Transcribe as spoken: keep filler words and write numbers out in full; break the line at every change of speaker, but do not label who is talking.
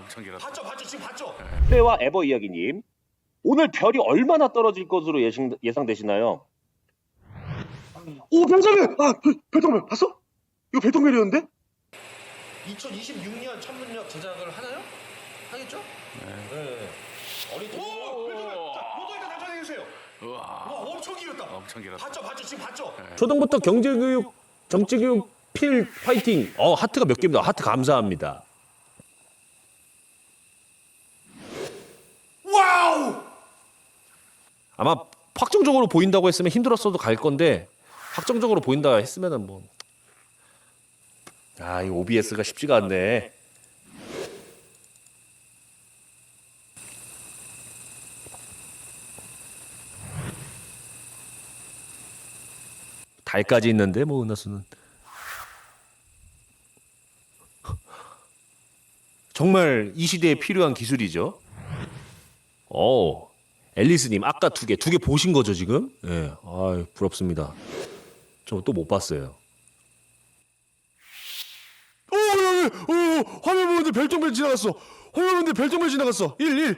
엄청 길었다.
봤죠, 봤죠, 지금 봤죠.
플레와 에버 이야기님, 오늘 별이 얼마나 떨어질 것으로 예상, 예상되시나요?
오, 별자별! 아, 별, 별똥별 봤어? 이거 별똥별이었는데?
이천이십육 년 천문역 제작을 하나요? 하겠죠? 네. 어린 오, 별똥별. 자, 모두 일단 답변해 주세요.
우와,
와, 엄청 길었다.
엄청 길었다.
봤죠, 봤죠, 지금 봤죠.
초등부터 경제교육, 정치교육 필 파이팅. 어, 하트가 몇 개입니다. 하트 감사합니다.
와우!
아마 확정적으로 보인다고 했으면 힘들었어도 갈 건데 확정적으로 보인다 했으면은 뭐. 아, 이 오비에스가 쉽지가 않네. 달까지 있는데 뭐 은하수는 정말 이 시대에 필요한 기술이죠. 오, 앨리스님 아까 두 개, 두 개 보신 거죠 지금? 예, 네. 아, 부럽습니다. 저 또 못 봤어요. 오, 오, 오, 화면 보는데 별똥별 지나갔어. 화면 보는데 별똥별 지나갔어. 일, 일.